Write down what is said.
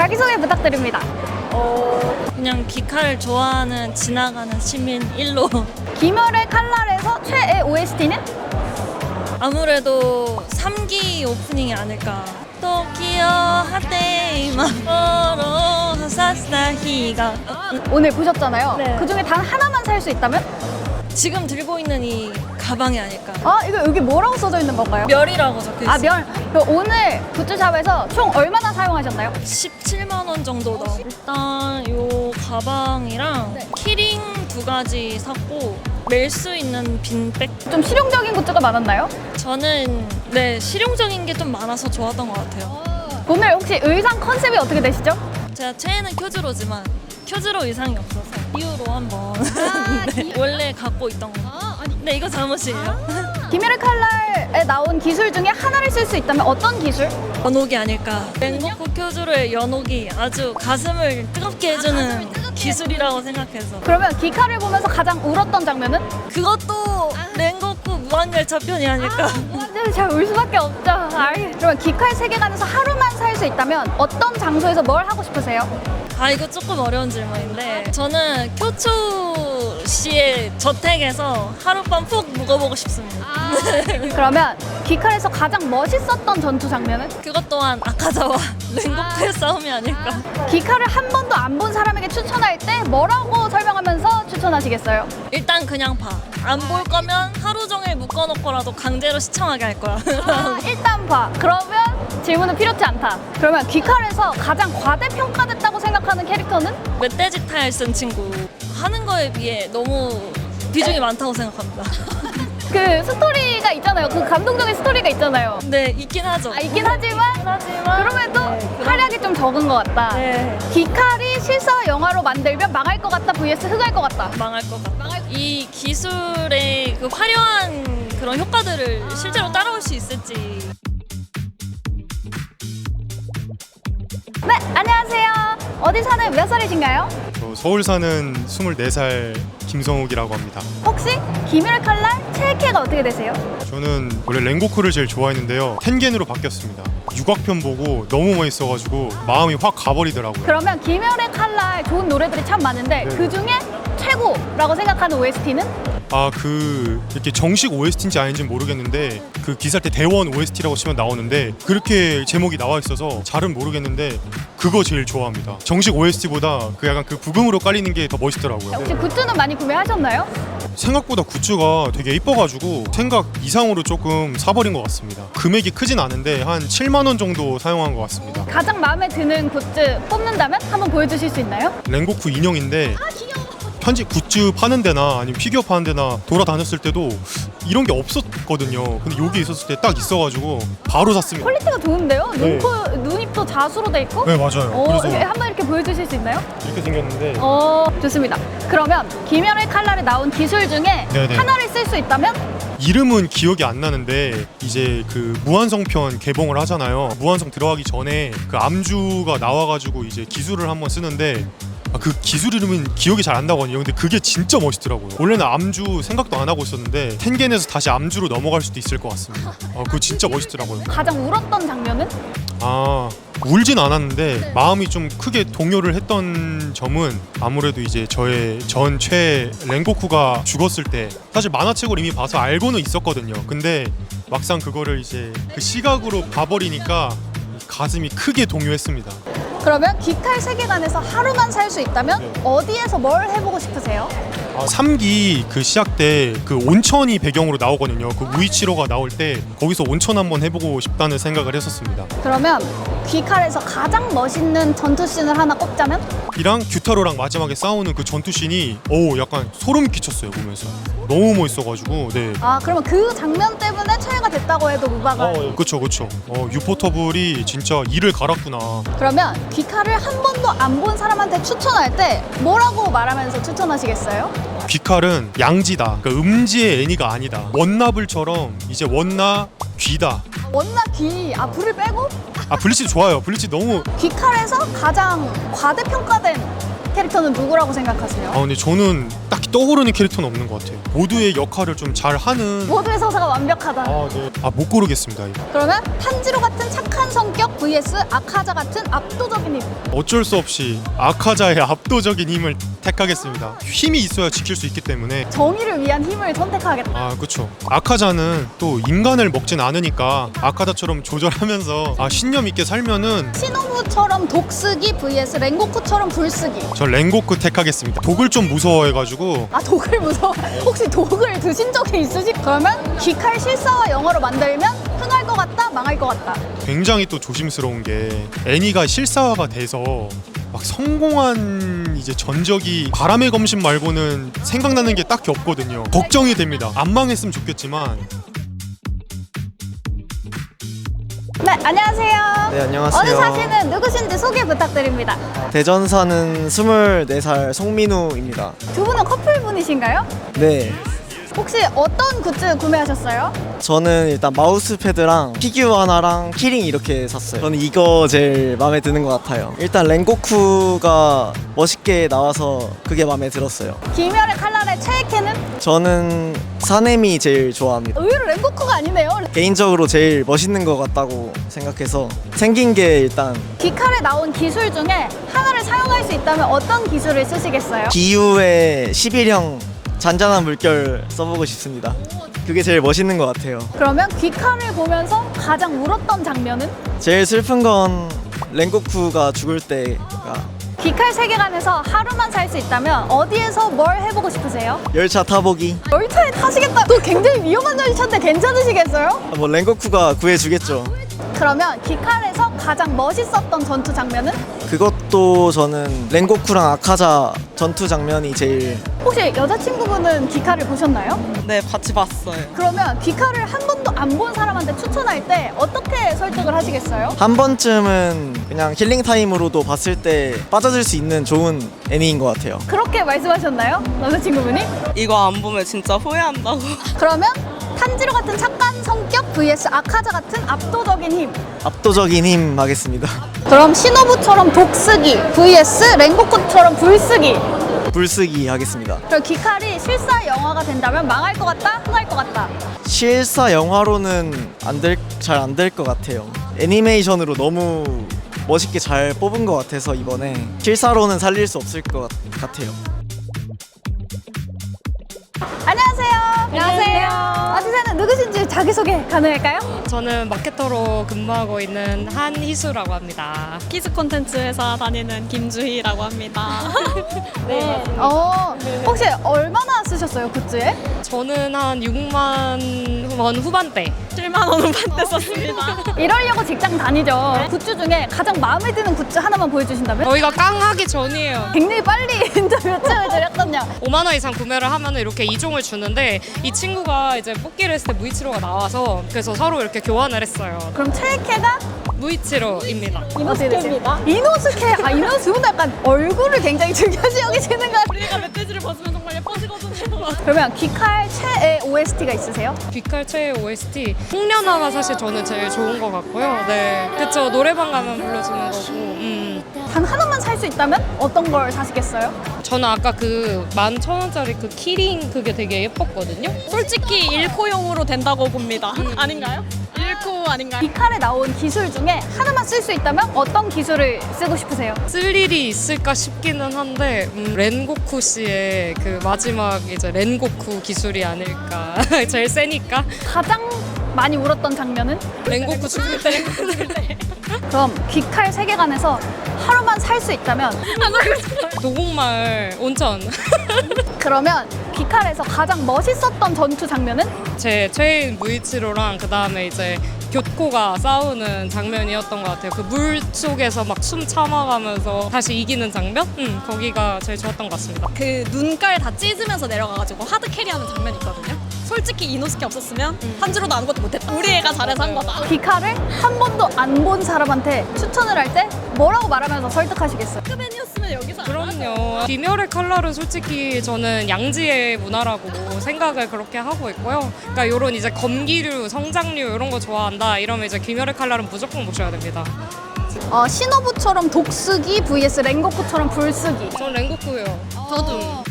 자기소개 부탁드립니다. 그냥 귀칼 좋아하는 지나가는 시민 1로. 김열의 칼날에서 최애 OST는? 아무래도 3기 오프닝이 아닐까. 토키오 하테이마 오로 사사히가. 오늘 보셨잖아요. 네. 그중에 단 하나만 살 수 있다면? 지금 들고 있는 이 가방이 아닐까. 이거 여기 뭐라고 써져 있는 건가요? 멸이라고 적혀 있어요. 멸. 그럼 오늘 굿즈샵에서 총 얼마나 사용하셨나요? 17만 원 정도 나오고. 일단 요 가방이랑 키링 2가지 샀고 멜 수 있는 빈백. 좀 실용적인 굿즈가 많았나요? 저는 실용적인 게 좀 많아서 좋았던 것 같아요. 오늘 혹시 의상 컨셉이 어떻게 되시죠? 제가 최애는 큐즈로지만 큐즈로 의상이 없어서 이유로 한번 네, 원래 갖고 있던 거. 네, 이거 잠옷이에요. 김열의 칼날에 나온 기술 중에 하나를 쓸 수 있다면 어떤 기술? 연옥이 아닐까. 랭고쿠 큐즈로의 연옥이 아주 가슴을 뜨겁게 해주는 기술이라고 생각해서. 그러면 기카를 보면서 가장 울었던 장면은? 그것도 랭고쿠 무한열차 편이 아닐까. 완전 잘 울 수밖에 없죠. 그러면 기카의 세계관에서 하루만 살 수 있다면 어떤 장소에서 뭘 하고 싶으세요? 이거 조금 어려운 질문인데 저는 교초시의 저택에서 하룻밤 푹 묵어보고 싶습니다. 그러면 기칼에서 가장 멋있었던 전투 장면은? 그것 또한 아카자와 랭고쿠의 싸움이 아닐까. 기칼을 한 번도 안 본 사람에게 추천할 때 뭐라고 설명하면서 추천하시겠어요? 일단 그냥 봐. 안 볼 거면 하루 종일 묶어놓고라도 강제로 시청하게 할 거야. 일단 봐. 그러면 질문은 필요치 않다. 그러면 기칼에서 가장 과대평가됐다고 생각하는 캐릭터는? 멧돼지 타일 쓴 친구. 하는 거에 비해 너무 비중이 많다고 생각합니다. 그 스토리가 있잖아요. 그 감동적인 스토리가 있잖아요. 네, 있긴 하죠. 있긴 하지만 그럼에도 활약이 좀 적은 것 같다. 네. 기칼이 실사 영화로 만들면 망할 것 같다 vs 흑할 것 같다. 망할 것 같다. 이 기술의 그 화려한 그런 효과들을 실제로 따라올 수 있을지. 네, 안녕하세요. 어디 사는 몇 살이신가요? 저 서울 사는 24살 김성욱이라고 합니다. 혹시 김열의 칼날 최애캐가 어떻게 되세요? 저는 원래 랭고쿠를 제일 좋아했는데요. 텐겐으로 바뀌었습니다. 육악편 보고 너무 멋있어가지고 마음이 확 가버리더라고요. 그러면 김열의 칼날 좋은 노래들이 참 많은데 네. 그 중에 최고라고 생각하는 OST는? 이렇게 정식 OST인지 아닌지는 모르겠는데 그 기사 때 대원 OST라고 치면 나오는데 그렇게 제목이 나와 있어서 잘은 모르겠는데 그거 제일 좋아합니다. 정식 OST보다 그 약간 그 부금으로 깔리는 게 더 멋있더라고요. 혹시 굿즈는 많이 구매하셨나요? 생각보다 굿즈가 되게 이뻐가지고 생각 이상으로 조금 사버린 것 같습니다. 금액이 크진 않은데 한 7만 원 정도 사용한 것 같습니다. 가장 마음에 드는 굿즈 뽑는다면 한번 보여주실 수 있나요? 랭고쿠 인형인데 현지 굿즈 파는 데나 아니면 피규어 파는 데나 돌아다녔을 때도 이런 게 없었거든요. 근데 여기 있었을 때 딱 있어가지고 바로 샀습니다. 퀄리티가 좋은데요? 네. 눈입도 자수로 돼 있고? 네, 맞아요. 그래서 한번 이렇게 보여주실 수 있나요? 이렇게 생겼는데 좋습니다. 그러면 김열의 칼날에 나온 기술 중에 네네. 하나를 쓸 수 있다면? 이름은 기억이 안 나는데 이제 그 무한성편 개봉을 하잖아요. 무한성 들어가기 전에 그 암주가 나와가지고 이제 기술을 한번 쓰는데 그 기술 이름은 기억이 잘 안 나거든요. 근데 그게 진짜 멋있더라고요. 원래는 암주 생각도 안 하고 있었는데 텐겐에서 다시 암주로 넘어갈 수도 있을 것 같습니다. 그거 진짜 멋있더라고요. 가장 울었던 장면은? 울진 않았는데 마음이 좀 크게 동요를 했던 점은 아무래도 이제 저의 전 최애 랭고쿠가 죽었을 때 사실 만화책을 이미 봐서 알고는 있었거든요. 근데 막상 그거를 이제 그 시각으로 봐버리니까 가슴이 크게 동요했습니다. 그러면 기칼 세계관에서 하루만 살 수 있다면 네. 어디에서 뭘 해보고 싶으세요? 3기 그 시작 때 그 온천이 배경으로 나오거든요. 그 우이치로가 나올 때 거기서 온천 한번 해보고 싶다는 생각을 했었습니다. 그러면 귀칼에서 가장 멋있는 전투씬을 하나 꼽자면? 이랑 규타로랑 마지막에 싸우는 그 전투씬이 약간 소름 끼쳤어요 보면서. 너무 멋있어가지고. 네. 그러면 그 장면 때문에 최애가 됐다고 해도 무방할. 그쵸. 유포터블이 진짜 이를 갈았구나. 그러면 귀칼을 한 번도 안 본 사람한테 추천할 때 뭐라고 말하면서 추천하시겠어요? 귀칼은 양지다. 그러니까 음지의 애니가 아니다. 원나블처럼 이제 원나 귀다. 원나 귀, 불을 빼고? 블리치 좋아요. 블리치 너무. 귀칼에서 가장 과대평가된 캐릭터는 누구라고 생각하세요? 근데 저는 딱히 떠오르는 캐릭터는 없는 것 같아요. 모두의 역할을 좀 잘하는. 모두의 서사가 완벽하다. 네. 못 고르겠습니다. 이거. 그러면 탄지로 같은 착한 성격 vs 아카자 같은 압도적인 힘. 어쩔 수 없이 아카자의 압도적인 힘을 택하겠습니다. 힘이 있어야 지킬 수 있기 때문에. 정의를 위한 힘을 선택하겠다. 그렇죠. 아카자는 또 인간을 먹진 않으니까 아카자처럼 조절하면서 신념 있게 살면은. 시노부처럼 독쓰기 vs 랭고쿠처럼 불쓰기. 저 랭고쿠 택하겠습니다. 독을 좀 무서워해가지고. 독을 무서워. 혹시 독을 드신 적이 있으시? 그러면 귀칼 실사와 영어로 만들면 흥할 것 같다, 망할 것 같다. 굉장히 또 조심스러운 게 애니가 실사화가 돼서 막 성공한 이제 전적이 바람의 검신 말고는 생각나는 게 딱히 없거든요. 걱정이 됩니다. 안 망했으면 좋겠지만. 네, 안녕하세요. 네, 안녕하세요. 어디 사시는 누구신지 소개 부탁드립니다. 대전 사는 24살 송민우입니다. 두 분은 커플분이신가요? 네, 혹시 어떤 굿즈 구매하셨어요? 저는 일단 마우스패드랑 피규어 하나랑 키링 이렇게 샀어요. 저는 이거 제일 마음에 드는 것 같아요. 일단 랭고쿠가 멋있게 나와서 그게 마음에 들었어요. 김열의 칼날의 최애캐는? 저는 사네미 제일 좋아합니다. 의외로 랭고쿠가 아니네요. 개인적으로 제일 멋있는 것 같다고 생각해서 생긴 게 일단 귀칼에 나온 기술 중에 하나를 사용할 수 있다면 어떤 기술을 쓰시겠어요? 기우의 11형 잔잔한 물결 써보고 싶습니다. 그게 제일 멋있는 것 같아요. 그러면 귀칼을 보면서 가장 울었던 장면은? 제일 슬픈 건 랭고쿠가 죽을 때가 귀칼 세계관에서 하루만 살 수 있다면 어디에서 뭘 해보고 싶으세요? 열차 타보기. 열차에 타시겠다. 또 굉장히 위험한 열차인데 괜찮으시겠어요? 뭐 랭고쿠가 구해주겠죠. 그러면 귀칼에서 가장 멋있었던 전투 장면은? 그것도 저는 랭고쿠랑 아카자 전투 장면이 제일. 혹시 여자친구분은 귀칼을 보셨나요? 네, 같이 봤어요. 그러면 귀칼을 한 번도 안 본 사람한테 추천할 때 어떻게 설득을 하시겠어요? 한 번쯤은 그냥 힐링 타임으로도 봤을 때 빠져들 수 있는 좋은 애니인 것 같아요. 그렇게 말씀하셨나요? 남자친구분이? 이거 안 보면 진짜 후회한다고. 그러면 탄지로 같은 착한 성격 vs 아카자 같은 압도적인 힘. 압도적인 힘 하겠습니다. 그럼 시노부처럼 독쓰기 vs 랭고쿠처럼 불쓰기. 불쓰기 하겠습니다. 그럼 귀칼이 실사 영화가 된다면 망할 것 같다, 흥할 것 같다. 실사 영화로는 잘 안 될 것 같아요. 애니메이션으로 너무 멋있게 잘 뽑은 것 같아서 이번에 실사로는 살릴 수 없을 것 같아요. 안녕하세요. 안녕하세요. 아시사는 누구신지 자기소개 가능할까요? 저는 마케터로 근무하고 있는 한희수라고 합니다. 키즈 콘텐츠 회사 다니는 김주희라고 합니다. 네. 혹시 얼마나 쓰셨어요, 굿즈에? 저는 한 6만 원 후반대, 7만 원 후반대 썼습니다. 이러려고 직장 다니죠. 굿즈 중에 가장 마음에 드는 굿즈 하나만 보여주신다면? 저희가 깡하기 전이에요. 굉장히 빨리 인터뷰 쯤을 드렸거든요. 5만 원 이상 구매를 하면 이렇게 2종을 주는데 이 친구가 이제 뽑기를 했을 때 무이치로가 나와서 그래서 서로 이렇게 교환을 했어요. 그럼 최애캐가? 무이치로입니다. 이노스케입니다. 이노스케. 이노스 두 분 약간 얼굴을 굉장히 중요시 여기시는 거 같아요. 우리가 멧돼지를 벗으면 정말 예뻐지거든요. 그러면 귀칼 최애 OST가 있으세요? 귀칼 최애 OST 홍련아가 사실 저는 제일 좋은 것 같고요. 네, 그쵸. 노래방 가면 불러주는 거고. 단 하나만 살 수 있다면 어떤 걸 사시겠어요? 저는 아까 그 11,000원짜리 그 키링 그게 되게 예뻤거든요. 솔직히 1코용으로 된다고 봅니다. 아닌가요? 1코 아닌가요? 귀칼에 나온 기술 중에 하나만 쓸 수 있다면 어떤 기술을 쓰고 싶으세요? 쓸 일이 있을까 싶기는 한데 렌고쿠 씨의 그 마지막 이제 렌고쿠 기술이 아닐까. 제일 세니까. 가장 많이 울었던 장면은? 렌고쿠 죽을 때. 그럼 귀칼 세계관에서 하루만 살 수 있다면 도곡마을 온천. 그러면 귀칼에서 가장 멋있었던 전투 장면은? 제 최애인 무이치로랑 그 다음에 이제 교코가 싸우는 장면이었던 것 같아요. 그 물 속에서 막 숨 참아가면서 다시 이기는 장면? 거기가 제일 좋았던 것 같습니다. 그 눈깔 다 찢으면서 내려가가지고 하드 캐리하는 장면이 있거든요. 솔직히 이노스케 없었으면 한지로도 아무것도 못했다. 우리 애가 잘해서 한 거다. 귀칼을 한 번도 안 본 사람한테 추천을 할 때 뭐라고 말하면서 설득하시겠어요? 팬이었으면 여기서 그럼요. 귀멸의 칼날은 솔직히 저는 양지의 문화라고 생각을 그렇게 하고 있고요. 그러니까 이런 이제 검기류, 성장류 이런 거 좋아한다 이러면 이제 귀멸의 칼날은 무조건 보셔야 됩니다. 시노부처럼 독쓰기 vs 랭고쿠처럼 불쓰기. 전 랭고쿠요. 저도